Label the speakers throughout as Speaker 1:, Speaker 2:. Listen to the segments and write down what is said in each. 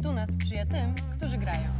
Speaker 1: Fortuna sprzyja tym, którzy grają.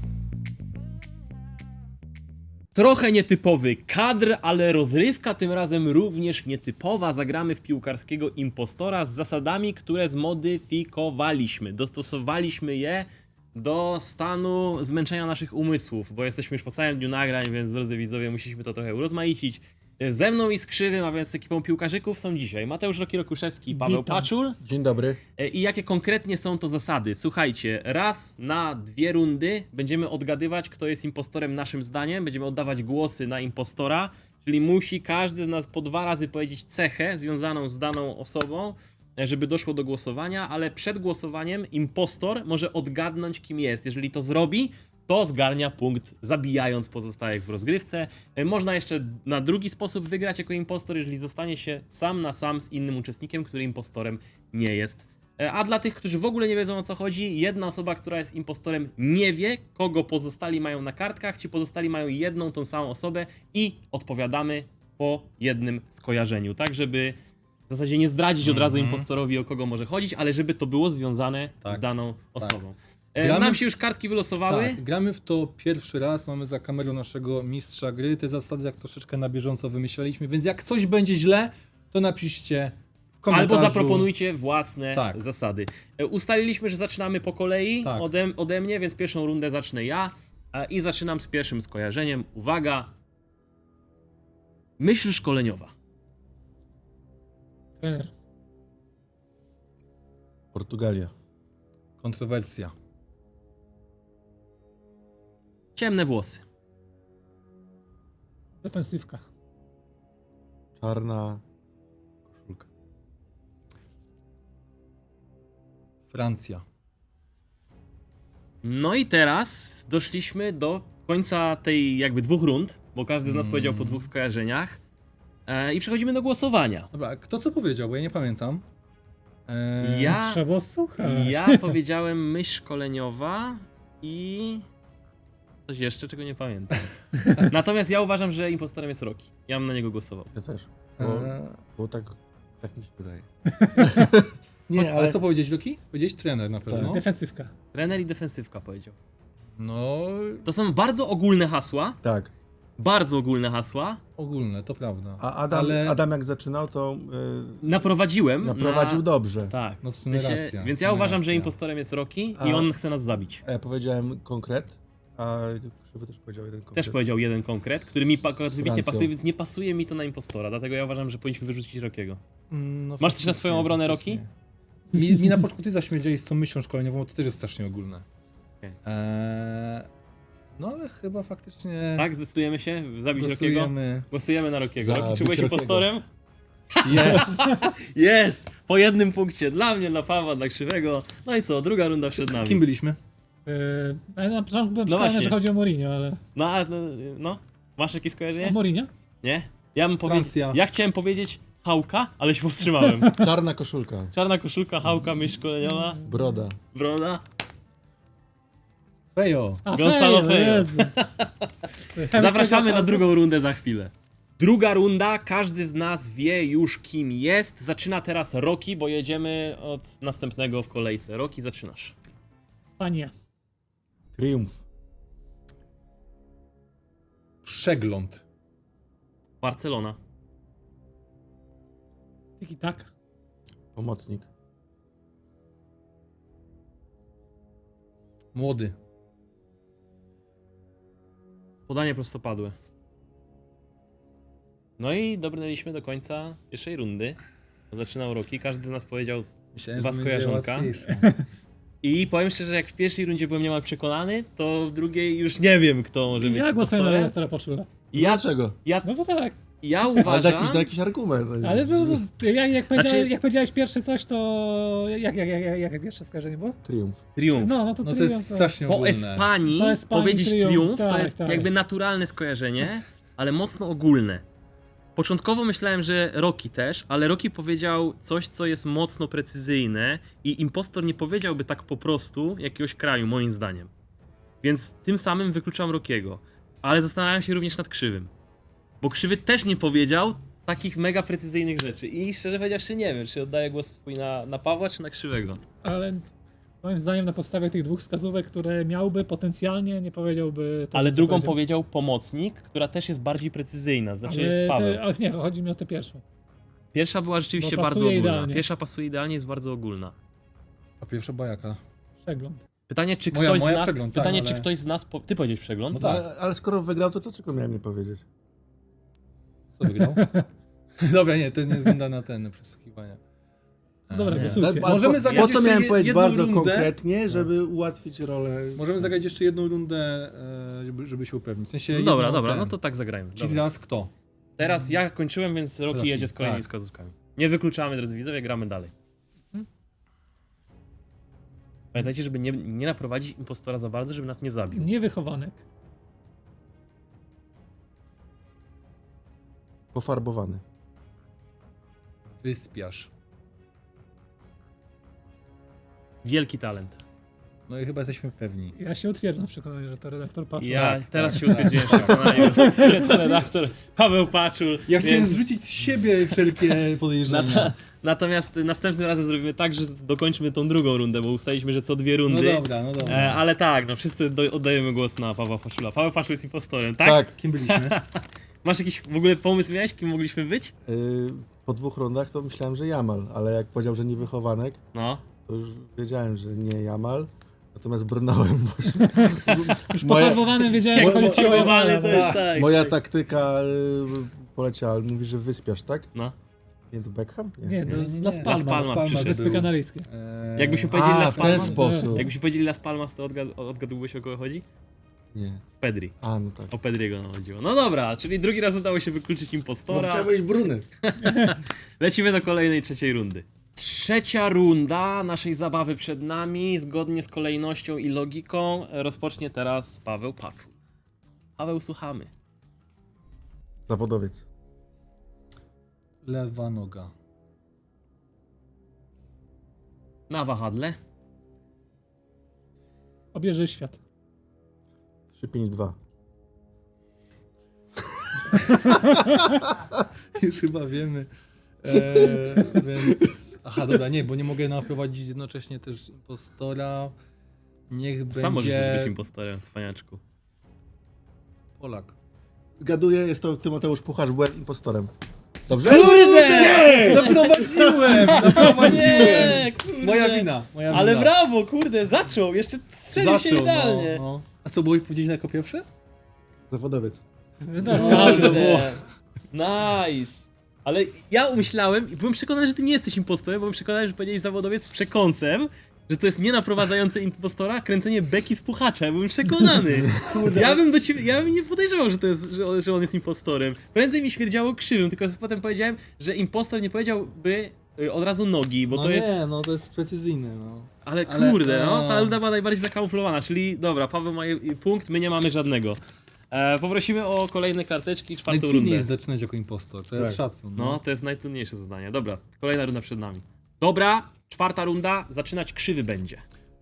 Speaker 2: Trochę nietypowy kadr, ale rozrywka tym razem również nietypowa. Zagramy w piłkarskiego impostora z zasadami, które zmodyfikowaliśmy. Dostosowaliśmy je do stanu zmęczenia naszych umysłów, bo jesteśmy już po całym dniu nagrań, więc drodzy widzowie, musieliśmy to trochę urozmaicić. Ze mną i z Krzywym, a więc z ekipą piłkarzyków są dzisiaj Mateusz Roki-Rokuszewski i Paweł
Speaker 3: Witam.
Speaker 2: Paczul.
Speaker 4: Dzień dobry.
Speaker 2: I jakie konkretnie są to zasady? Słuchajcie, raz na 2 rundy będziemy odgadywać, kto jest impostorem naszym zdaniem. Będziemy oddawać głosy na impostora, czyli musi każdy z nas po 2 razy powiedzieć cechę związaną z daną osobą, żeby doszło do głosowania, ale przed głosowaniem impostor może odgadnąć, kim jest. Jeżeli to zrobi, to zgarnia punkt, zabijając pozostałych w rozgrywce. Można jeszcze na drugi sposób wygrać jako impostor, jeżeli zostanie się sam na sam z innym uczestnikiem, który impostorem nie jest. A dla tych, którzy w ogóle nie wiedzą, o co chodzi, jedna osoba, która jest impostorem, nie wie, kogo pozostali mają na kartkach. Ci pozostali mają jedną tą samą osobę i odpowiadamy po jednym skojarzeniu, tak żeby w zasadzie nie zdradzić od razu impostorowi, o kogo może chodzić, ale żeby to było związane z daną osobą.
Speaker 3: Gramy
Speaker 2: Nam
Speaker 3: w-
Speaker 2: się już kartki wylosowały.
Speaker 3: Tak, gramy w to pierwszy raz, mamy za kamerą naszego mistrza gry. Te zasady jak troszeczkę na bieżąco wymyślaliśmy, więc jak coś będzie źle, to napiszcie w komentarzu.
Speaker 2: Albo zaproponujcie własne
Speaker 3: Tak.
Speaker 2: zasady. Ustaliliśmy, że zaczynamy po kolei
Speaker 3: Tak.
Speaker 2: ode mnie, więc pierwszą rundę zacznę ja i zaczynam z pierwszym skojarzeniem. Uwaga! Myśl szkoleniowa.
Speaker 5: Trener.
Speaker 4: Portugalia.
Speaker 3: Kontrowersja.
Speaker 2: Ciemne włosy.
Speaker 5: Defensywka.
Speaker 4: Czarna koszulka.
Speaker 3: Francja.
Speaker 2: No i teraz doszliśmy do końca tej jakby 2 rund, bo każdy z nas powiedział po 2 skojarzeniach. I przechodzimy do głosowania.
Speaker 3: Dobra, kto co powiedział, bo ja nie pamiętam.
Speaker 2: Ja,
Speaker 5: Trzeba słuchać.
Speaker 2: ja powiedziałem myśl szkoleniowa i coś jeszcze, czego nie pamiętam. Natomiast ja uważam, że impostorem jest Roki. Ja bym na niego głosował.
Speaker 4: Ja też.
Speaker 3: Eee,
Speaker 4: Bo tak mi się wydaje.
Speaker 3: nie, ale co powiedzieć, Luki? Powiedzieć trener na pewno.
Speaker 5: Defensywka.
Speaker 2: Trener i defensywka powiedział.
Speaker 3: No,
Speaker 2: To są bardzo ogólne hasła.
Speaker 4: Tak.
Speaker 2: Bardzo ogólne hasła.
Speaker 3: ogólne, to prawda.
Speaker 4: A Adam jak zaczynał, to
Speaker 2: Naprowadziłem.
Speaker 4: naprowadził dobrze.
Speaker 2: Tak.
Speaker 3: No w sumie racja.
Speaker 2: Więc
Speaker 3: w
Speaker 2: ja
Speaker 3: sumie
Speaker 2: uważam, że
Speaker 3: racja.
Speaker 2: impostorem jest Roki i
Speaker 4: A-
Speaker 2: on chce nas zabić.
Speaker 4: A ja powiedziałem konkret, a Krzywy też powiedział jeden konkret.
Speaker 2: Też powiedział jeden konkret, który mi akurat wybitnie
Speaker 4: Francją.
Speaker 2: pasuje, więc nie pasuje mi to na impostora, dlatego ja uważam, że powinniśmy wyrzucić Rokiego.
Speaker 3: No,
Speaker 2: Masz coś na swoją
Speaker 3: faktycznie,
Speaker 2: obronę,
Speaker 3: faktycznie.
Speaker 2: Roki?
Speaker 3: Mi na początku ty zaśmierdziałeś z tą myślą szkoleniową, bo to też jest strasznie ogólne.
Speaker 2: Okej.
Speaker 3: No ale chyba faktycznie
Speaker 2: Tak, zdecydujemy się zabić Rokiego?
Speaker 3: głosujemy.
Speaker 2: Głosujemy na Rokiego.
Speaker 4: Zabić
Speaker 2: Roki, czy byłeś
Speaker 4: Rokiego.
Speaker 2: impostorem?
Speaker 3: Jest!
Speaker 2: Jest! Po jednym punkcie dla mnie, dla Pawła, dla Krzywego. No i co, druga runda przed nami.
Speaker 3: Kim byliśmy?
Speaker 5: Ale na początku byłem
Speaker 2: No
Speaker 5: przekonany,
Speaker 2: właśnie.
Speaker 5: że chodzi o Mourinho, ale...
Speaker 2: No, masz jakieś
Speaker 5: O
Speaker 2: skojarzenie?
Speaker 5: Mourinho?
Speaker 2: Nie? Ja bym powiedział.
Speaker 3: Francja.
Speaker 2: Ja chciałem powiedzieć Hałka, ale się powstrzymałem.
Speaker 4: Czarna koszulka.
Speaker 2: Czarna koszulka, Hałka, myśl szkoleniowa,
Speaker 4: Broda.
Speaker 2: broda.
Speaker 3: Fejo!
Speaker 5: A,
Speaker 2: Gonzalo Fejo.
Speaker 5: Jezu.
Speaker 2: Zapraszamy na drugą rundę za chwilę. Druga runda, każdy z nas wie już kim jest. Zaczyna teraz Roki, bo jedziemy od następnego w kolejce. Roki, zaczynasz.
Speaker 5: Spania.
Speaker 4: Triumf.
Speaker 3: Przegląd.
Speaker 2: Barcelona.
Speaker 5: Tiki tak.
Speaker 4: Pomocnik.
Speaker 3: Młody.
Speaker 2: Podanie prostopadłe. No i dobrnęliśmy do końca pierwszej rundy. Zaczynał Roki, każdy z nas powiedział.
Speaker 3: Myślałem,
Speaker 2: Dwa
Speaker 3: że będzie
Speaker 2: skojarzonka.
Speaker 3: łatwiejsze.
Speaker 2: I powiem szczerze, jak w pierwszej rundzie byłem niemal przekonany, to w drugiej już nie wiem, kto może być
Speaker 5: Ja głosuję na
Speaker 2: impostorem.
Speaker 5: redaktora Poczula.
Speaker 4: Dlaczego?
Speaker 5: No bo tak.
Speaker 2: Ja
Speaker 4: Ale
Speaker 2: uważam...
Speaker 4: jakiś argument.
Speaker 5: Ale jak
Speaker 2: Znaczy-
Speaker 5: powiedziałeś pierwsze coś, to... Jak pierwsze skojarzenie było?
Speaker 4: Triumf.
Speaker 2: Triumf.
Speaker 5: No to
Speaker 3: No to
Speaker 5: triumf,
Speaker 3: jest strasznie
Speaker 2: Po
Speaker 3: ogólne.
Speaker 2: Espanii
Speaker 5: Po Espanii
Speaker 2: powiedzieć
Speaker 5: triumf,
Speaker 2: triumf to
Speaker 5: tak,
Speaker 2: jest
Speaker 5: tak.
Speaker 2: jakby naturalne skojarzenie, ale mocno ogólne. Początkowo myślałem, że Roki też, ale Roki powiedział coś, co jest mocno precyzyjne i impostor nie powiedziałby tak po prostu jakiegoś kraju, moim zdaniem. Więc tym samym wykluczam Rokiego. Ale zastanawiam się również nad Krzywym. Bo Krzywy też nie powiedział takich mega precyzyjnych rzeczy. I szczerze powiedziawszy nie wiem, czy oddaję głos swój na Pawła, czy na Krzywego.
Speaker 5: Ale Moim zdaniem na podstawie tych dwóch wskazówek, które miałby potencjalnie, nie powiedziałby... To,
Speaker 2: Ale
Speaker 5: co
Speaker 2: drugą
Speaker 5: powiedział.
Speaker 2: powiedział pomocnik, która też jest bardziej precyzyjna, znaczy
Speaker 5: Ale
Speaker 2: Paweł.
Speaker 5: ach nie, chodzi mi o tę pierwszą.
Speaker 2: Pierwsza była rzeczywiście
Speaker 5: Bo
Speaker 2: bardzo
Speaker 5: pasuje
Speaker 2: ogólna.
Speaker 5: idealnie.
Speaker 2: Pierwsza pasuje idealnie, jest bardzo ogólna.
Speaker 3: A pierwsza bajaka.
Speaker 5: Przegląd.
Speaker 2: Pytanie, czy
Speaker 3: Moja-
Speaker 2: ktoś
Speaker 3: moja
Speaker 2: z nas...
Speaker 3: przegląd, tak,
Speaker 2: pytanie,
Speaker 3: ale-
Speaker 2: czy ktoś z nas... Ty powiedziałeś przegląd?
Speaker 3: No tak.
Speaker 4: Ale skoro wygrał, to dlaczego miałem nie powiedzieć?
Speaker 3: Co wygrał? Dobra, nie, to nie wygląda na ten, na przesłuchiwania.
Speaker 5: Dobra,
Speaker 3: Nie.
Speaker 5: głosujcie.
Speaker 3: Możemy zagrać
Speaker 4: Po co
Speaker 3: jeszcze
Speaker 4: miałem powiedzieć
Speaker 3: jedną
Speaker 4: bardzo
Speaker 3: rundę?
Speaker 4: konkretnie, żeby ułatwić rolę?
Speaker 3: Możemy zagrać jeszcze jedną rundę, żeby się upewnić. W sensie
Speaker 2: No
Speaker 3: jedną
Speaker 2: dobra, dobra,
Speaker 3: ten.
Speaker 2: no to tak zagrajmy.
Speaker 3: Czyli
Speaker 2: Dobra.
Speaker 3: teraz kto?
Speaker 2: Teraz ja kończyłem, więc Roki
Speaker 3: Roki,
Speaker 2: jedzie z kolejnymi
Speaker 3: tak.
Speaker 2: wskazówkami. Nie wykluczamy, drodzy widzowie, gramy dalej. Pamiętajcie, żeby nie naprowadzić impostora za bardzo, żeby nas nie zabił.
Speaker 5: Niewychowanek.
Speaker 4: Pofarbowany.
Speaker 3: Wyspiarz.
Speaker 2: Wielki talent.
Speaker 3: No i chyba jesteśmy pewni.
Speaker 5: Ja się utwierdzam w przekonaniu, że to redaktor Patrol.
Speaker 2: Ja
Speaker 3: Tak,
Speaker 2: teraz
Speaker 3: tak,
Speaker 2: się utwierdziłem w przekonaniu, że to redaktor Paweł Paczul.
Speaker 3: Ja chciałem
Speaker 2: więc-
Speaker 3: zrzucić z siebie wszelkie podejrzenia.
Speaker 2: Natomiast następnym razem zrobimy tak, że dokończymy tą drugą rundę, bo ustaliliśmy, że co 2 rundy.
Speaker 3: No dobra, no dobra.
Speaker 2: Ale tak, no wszyscy oddajemy głos na Pawła Paczula. Paweł Paczul jest impostorem, tak?
Speaker 4: Tak.
Speaker 3: Kim byliśmy?
Speaker 2: Masz jakiś w ogóle pomysł miałeś, kim mogliśmy być?
Speaker 4: Po 2 rundach to myślałem, że Jamal, ale jak powiedział, że niewychowanek,
Speaker 2: No.
Speaker 4: to już wiedziałem, że nie Jamal. Natomiast brnąłem,
Speaker 5: Już
Speaker 4: Moja-
Speaker 5: pofarbowanym wiedziałem,
Speaker 2: Jak
Speaker 5: jak chodzi o
Speaker 2: pofarbowane
Speaker 5: Jamala,
Speaker 2: to
Speaker 5: no.
Speaker 2: już tak.
Speaker 4: moja taktyka poleciała. Mówi, że wyspiasz, tak?
Speaker 2: No.
Speaker 4: Nie to Beckham?
Speaker 5: Nie, to jest
Speaker 3: Nie,
Speaker 5: Las
Speaker 3: nie.
Speaker 5: Palmas.
Speaker 2: Las Palmas przyszedł.
Speaker 5: Wyspy
Speaker 3: był.
Speaker 5: Kanaryjskie.
Speaker 2: Jakbyśmy powiedzieli
Speaker 4: A,
Speaker 2: Las
Speaker 4: w ten
Speaker 2: Palmas?
Speaker 4: sposób.
Speaker 2: Jakbyśmy powiedzieli Las Palmas, to odgadłbyś, o kogo chodzi?
Speaker 4: Nie.
Speaker 2: Pedri.
Speaker 4: A, no tak.
Speaker 2: O Pedriego nam chodziło. No dobra, czyli drugi raz udało się wykluczyć impostora.
Speaker 4: Bruny.
Speaker 2: Lecimy do kolejnej, trzeciej rundy. Trzecia runda naszej zabawy przed nami, zgodnie z kolejnością i logiką, rozpocznie teraz Paweł Paczul. Paweł, słuchamy.
Speaker 4: Zawodowiec.
Speaker 3: Lewa noga.
Speaker 2: Na wahadle.
Speaker 5: Obieży świat.
Speaker 4: 3-5-2.
Speaker 3: Już chyba wiemy. Więc... Aha, dobra, nie, bo nie mogę naprowadzić jednocześnie też impostora. Niech
Speaker 2: Sam możesz
Speaker 3: będzie
Speaker 2: być impostorem, cwaniaczku.
Speaker 3: Polak.
Speaker 4: Zgaduję, jest to Tymoteusz Pucharz, byłem impostorem. Dobrze?
Speaker 2: Kurde!
Speaker 3: Naprowadziłem!
Speaker 2: Nie, kurde.
Speaker 3: Moja wina.
Speaker 2: Ale brawo, kurde, zaczął, jeszcze strzelił się idealnie.
Speaker 3: No, no. A co było powiedzieć jako pierwsze?
Speaker 4: Zawodowiec.
Speaker 2: Kurde. Nice. Ale ja umyślałem i byłem przekonany, że ty nie jesteś impostorem, bo byłem przekonany, że powiedziałeś zawodowiec z przekąsem, że to jest nie naprowadzające impostora, kręcenie beki z puchacza. Ja byłem przekonany. Ja bym do ciebie, ja bym nie podejrzewał, że to jest, że on jest impostorem. Prędzej mi śmierdziało krzywym, tylko potem powiedziałem, że impostor nie powiedziałby od razu nogi, bo
Speaker 3: no
Speaker 2: to
Speaker 3: nie,
Speaker 2: jest...
Speaker 3: no to jest precyzyjny, no.
Speaker 2: Ale
Speaker 3: Ale-
Speaker 2: kurde, no, ta luda była najbardziej zakamuflowana, czyli dobra, Paweł ma punkt, my nie mamy żadnego. Poprosimy o kolejne karteczki, czwartą
Speaker 3: Najtrudniej
Speaker 2: rundę.
Speaker 3: jest zaczynać jako impostor, to jest
Speaker 4: Tak.
Speaker 3: szacun.
Speaker 2: No, to jest najtrudniejsze zadanie. Dobra, kolejna runda przed nami. Dobra, czwarta runda, zaczynać krzywy będzie.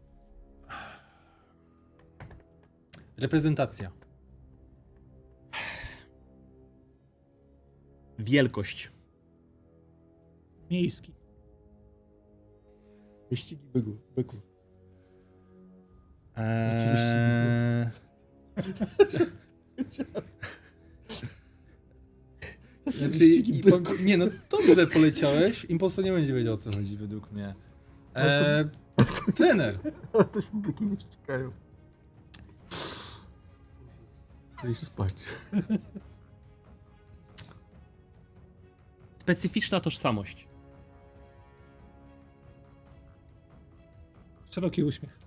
Speaker 3: Reprezentacja.
Speaker 2: Wielkość.
Speaker 5: Miejski.
Speaker 4: Wyścigi byków.
Speaker 3: Znaczy, nie no, dobrze poleciałeś. Impostor nie będzie wiedział, o co chodzi według mnie. Trener.
Speaker 4: Ale to się byki nie czekają. Idź spać.
Speaker 2: Specyficzna tożsamość.
Speaker 5: Szeroki uśmiech.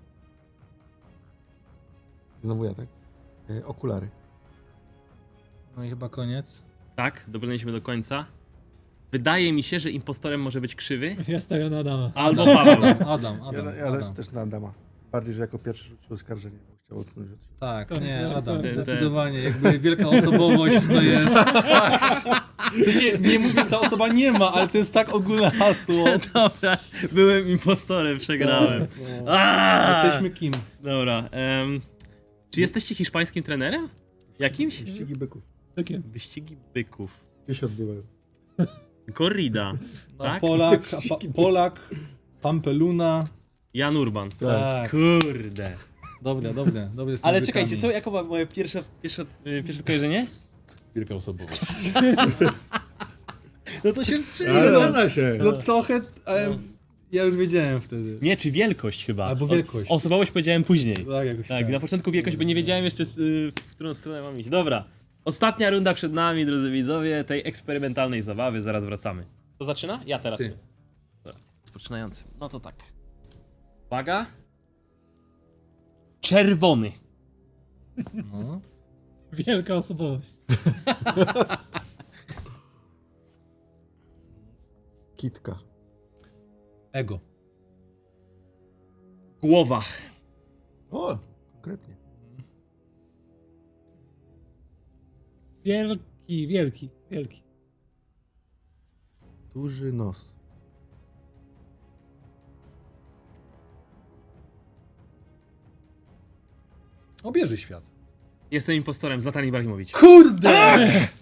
Speaker 4: Znowu ja, tak? Okulary.
Speaker 3: No i chyba koniec.
Speaker 2: Tak, dobrnęliśmy do końca. Wydaje mi się, że impostorem może być krzywy
Speaker 5: Ja stawiam na Adama.
Speaker 2: albo Paweł.
Speaker 3: Adam.
Speaker 4: Ja też na Adama. Bardziej, że jako pierwszy rzucił oskarżenie, bo chciał odsunąć od siebie.
Speaker 3: Tak, nie, Adam,
Speaker 2: Ten-
Speaker 3: zdecydowanie. Jakby wielka osobowość to jest... To się nie mówi, że ta osoba nie ma, ale to jest tak ogólne hasło.
Speaker 2: Dobra, byłem impostorem, przegrałem.
Speaker 3: No.
Speaker 2: Aaaa!
Speaker 3: Jesteśmy kim?
Speaker 2: Dobra, czy jesteście hiszpańskim trenerem? Jakimś?
Speaker 4: Wyścigi byków.
Speaker 5: Takie.
Speaker 2: Wyścigi byków.
Speaker 4: Gdzie się odbywają?
Speaker 2: Corrida,
Speaker 3: No,
Speaker 2: tak?
Speaker 3: Polak, Pampeluna.
Speaker 2: Jan Urban.
Speaker 3: Tak.
Speaker 2: Kurde.
Speaker 3: Dobre, dobre, dobre z tymi
Speaker 2: Ale
Speaker 3: wykami.
Speaker 2: czekajcie, co, jaką była moje pierwsze skojarzenie?
Speaker 6: Wielka osobowość.
Speaker 2: No to się
Speaker 4: Ale
Speaker 2: wstrzymałem.
Speaker 4: zgadza się.
Speaker 3: No trochę, ale ja już wiedziałem wtedy.
Speaker 2: Nie, czy wielkość chyba.
Speaker 3: Albo wielkość.
Speaker 2: Osobowość powiedziałem później.
Speaker 3: Tak, jakoś
Speaker 2: Tak, na początku wielkość, bo nie wiedziałem jeszcze, w którą stronę mam iść. Dobra. Ostatnia runda przed nami, drodzy widzowie, tej eksperymentalnej zabawy. Zaraz wracamy. To zaczyna? Ja teraz.
Speaker 3: Ty.
Speaker 2: Dobra, rozpoczynający. No to tak. Uwaga. Czerwony.
Speaker 3: No.
Speaker 5: Wielka osobowość.
Speaker 4: Kitka.
Speaker 3: Ego.
Speaker 2: Głowa.
Speaker 4: O, konkretnie.
Speaker 5: Wielki, wielki, wielki.
Speaker 4: Duży nos.
Speaker 3: Obieży świat.
Speaker 2: Jestem impostorem, Zlatan Ibrahimowicz.
Speaker 3: Kurde!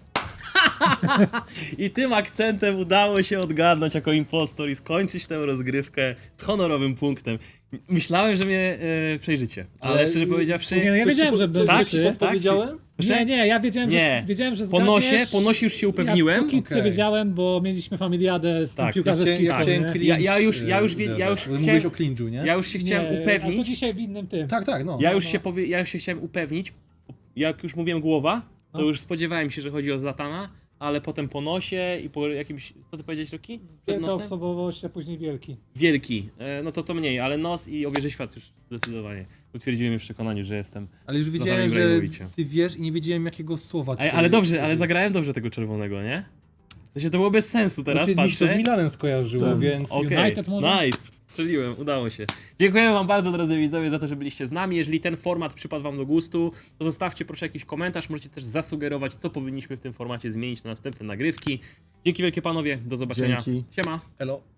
Speaker 2: I tym akcentem udało się odgadnąć jako impostor i skończyć tę rozgrywkę z honorowym punktem. Myślałem, że mnie przejrzycie, ale szczerze powiedziawszy...
Speaker 5: Nie, no ja wiedziałem, że
Speaker 2: tak?
Speaker 5: będzie ty.
Speaker 3: Podpowiedziałem?
Speaker 5: Nie, ja wiedziałem,
Speaker 2: Nie.
Speaker 5: że wiedziałem, że
Speaker 2: Po nosie,
Speaker 5: zgadniesz.
Speaker 2: po nosie już się upewniłem.
Speaker 5: Ja po kitce
Speaker 3: Okej.
Speaker 5: wiedziałem, bo mieliśmy familiadę z tym
Speaker 2: Tak,
Speaker 5: piłkarzem
Speaker 3: Ja chciałem
Speaker 2: Tak.
Speaker 3: cringe,
Speaker 2: Ja już
Speaker 3: uderzać, bo
Speaker 2: chciałem-
Speaker 3: Mówiłeś o cringe'u, nie?
Speaker 2: Ja już się chciałem
Speaker 5: A to
Speaker 2: upewnić.
Speaker 5: dzisiaj w innym tym.
Speaker 3: Tak, tak, no.
Speaker 2: Ja już się chciałem upewnić. Jak już mówiłem głowa, to już spodziewałem się, że chodzi o Zlatana, ale potem po nosie i po jakimś... Co ty powiedziałeś, Roki? Przed
Speaker 5: Wielka
Speaker 2: nosem?
Speaker 5: osobowość, a później wielki.
Speaker 2: Wielki. No to mniej, ale nos i obieży świat już zdecydowanie. Utwierdziłem mnie w przekonaniu, że jestem...
Speaker 3: Ale już wiedziałem,
Speaker 2: Zlatan
Speaker 3: że
Speaker 2: Ibrahimowicza.
Speaker 3: ty wiesz i nie wiedziałem jakiego słowa.
Speaker 2: Ale dobrze, ale zagrałem dobrze tego czerwonego, nie? W sensie to było bez sensu teraz,
Speaker 3: Znaczy, mi się to
Speaker 2: patrzę.
Speaker 3: z Milanem skojarzyło,
Speaker 4: Tak.
Speaker 3: więc...
Speaker 2: Okej,
Speaker 5: United może?
Speaker 2: nice. Strzeliłem, udało się. Dziękujemy wam bardzo, drodzy widzowie, za to, że byliście z nami. Jeżeli ten format przypadł wam do gustu, to zostawcie proszę jakiś komentarz. Możecie też zasugerować, co powinniśmy w tym formacie zmienić na następne nagrywki. Dzięki wielkie panowie, do zobaczenia.
Speaker 4: Dzięki.
Speaker 2: Siema.
Speaker 3: Elo.